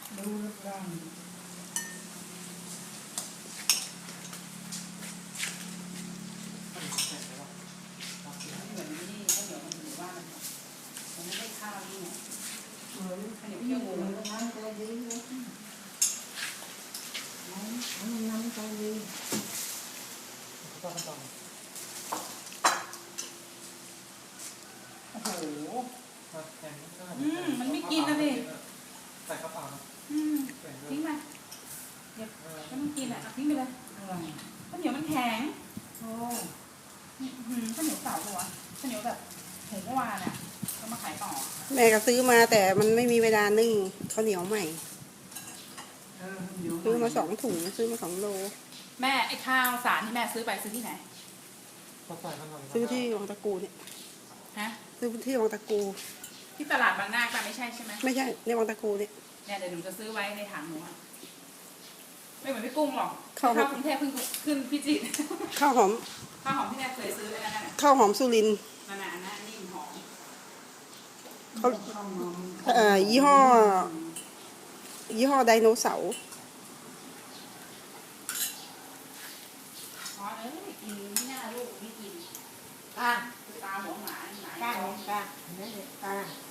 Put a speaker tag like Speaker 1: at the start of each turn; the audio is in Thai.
Speaker 1: ดูรูปร่าง
Speaker 2: เหมือนนี่ข้าวเหนียวมันอยู่บ้านมันไม่ได้ข้าวนี่ไง
Speaker 1: เหมือน
Speaker 2: ข้าวเหนียว
Speaker 1: ที่
Speaker 2: เคี่ยว
Speaker 1: หมู
Speaker 2: งู
Speaker 1: น้ำใจดีเลยน้ำใจดี
Speaker 2: โอ้โหมันไม่กินนะดิ
Speaker 3: ใส่กระเป๋า
Speaker 2: ทิ้งไปเดี๋ยวไม่ต้องกินอ่ะทิ้งไปเลย
Speaker 1: อะไร
Speaker 2: ข้าวเหนียวมันแข็ง
Speaker 1: โอ้
Speaker 2: ข้าวเหนียวเก่าปะวะข้าวเหนียวแบบหุงเมื่อวานอ่ะก็มาขายต่อ
Speaker 4: แม่ก็ซื้อมาแต่มันไม่มีเวลานึ่งข้าวเหนียวใหม่ ซื้อมา2 ถุงซื้อมา2 โล
Speaker 2: แม่ไอ้ข้าวสารที่แม่ซื้อไปซื้อที่ไหน
Speaker 4: ซื้อที่วังตะกูเนี่ย
Speaker 2: ฮะ
Speaker 4: ซื้อที่วังตะกู
Speaker 2: ที่ตลาดบางนาแต่ไม่ใช่ใช่ไหม
Speaker 4: ไม่ใช่ในวังตะกูเนี่ย
Speaker 2: เนี่ยเดี๋ยวหนูจะซื้อไว้ในถังหนูอะไม่เหมือนพี่กุ้งหรอก
Speaker 4: ข้าว
Speaker 2: กรุงเทพเพิ่งขึ้นพิจิตร
Speaker 4: ข้าวหอม
Speaker 2: ข้าวหอมที่แม่เคยซื้อเลยนั่นน่ะ
Speaker 4: ข้าวหอมสุรินทร์
Speaker 2: นั่นน่ะอันนั้นนิ่มหอม
Speaker 4: เขายี่ห้อไดโนเสาร์
Speaker 2: อ๋อกินที่หน้าลูกไม่กิน
Speaker 1: อ่ะ
Speaker 2: ตาหัวหมาหมา
Speaker 1: ก้าเนี่ยก้าเนี่ยก้า